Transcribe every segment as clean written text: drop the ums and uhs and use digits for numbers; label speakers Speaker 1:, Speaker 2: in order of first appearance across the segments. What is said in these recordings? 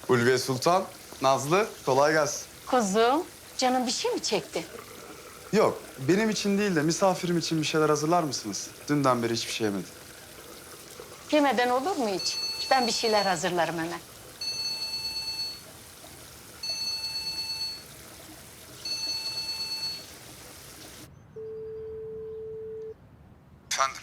Speaker 1: Ulviye Sultan, Nazlı, kolay gelsin.
Speaker 2: Kuzum, canın bir şey mi çekti?
Speaker 1: Yok, benim için değil de misafirim için bir şeyler hazırlar mısınız? Dünden beri hiçbir şey yemedim.
Speaker 2: Yemeden olur mu hiç? Ben bir şeyler hazırlarım hemen.
Speaker 1: Efendim?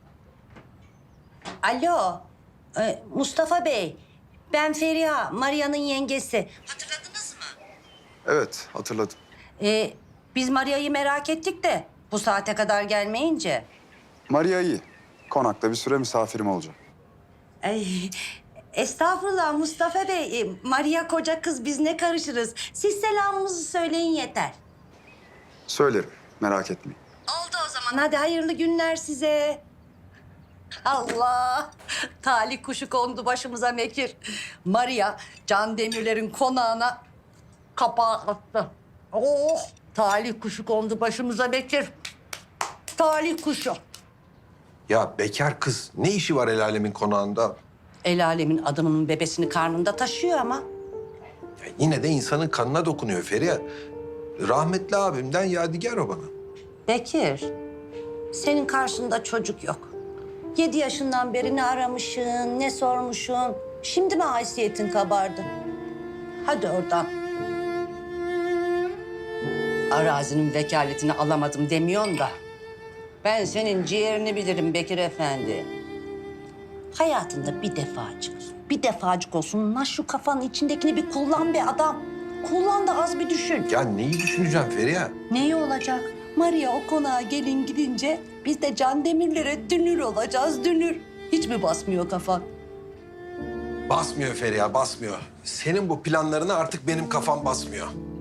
Speaker 3: Alo, Mustafa Bey. Ben Feriha, Maria'nın yengesi. Hatırladınız mı?
Speaker 1: Evet, hatırladım.
Speaker 3: Biz Maria'yı merak ettik de bu saate kadar gelmeyince.
Speaker 1: Maria iyi. Konakta bir süre misafirim olacak.
Speaker 3: Ay, estağfurullah Mustafa Bey. Maria koca kız, biz ne karışırız? Siz selamımızı söyleyin yeter.
Speaker 1: Söylerim, merak etmeyin.
Speaker 3: Oldu o zaman. Hadi hayırlı günler size. Allah! Talih kuşu kondu başımıza Mekir. Maria, Can Demirler'in konağına kapağı attı. Oh! Talih kuşu kondu başımıza Mekir. Talih kuşu.
Speaker 4: Ya bekar kız ne işi var el alemin konağında?
Speaker 3: El alemin adamının bebesini karnında taşıyor ama.
Speaker 4: Ya yine de insanın kanına dokunuyor Feriha. Rahmetli abimden yadigar o bana.
Speaker 3: Bekir, senin karşında çocuk yok. 7 yaşından beri ne aramışsın, ne sormuşsun. Şimdi mi haysiyetin kabardı? Hadi oradan. Arazinin vekaletini alamadım demiyorsun da. Ben senin ciğerini bilirim Bekir Efendi. Hayatında bir defacık olsun lan şu kafanın içindekini bir kullan be adam. Kullan da az bir düşün.
Speaker 4: Ya neyi düşüneceğim Feriha?
Speaker 3: Neyi olacak? Maria o konağa gelin gidince biz de Can Demirler'e dünür olacağız, dünür. Hiç mi basmıyor kafan?
Speaker 4: Basmıyor Feriha, basmıyor. Senin bu planlarına artık benim kafam basmıyor.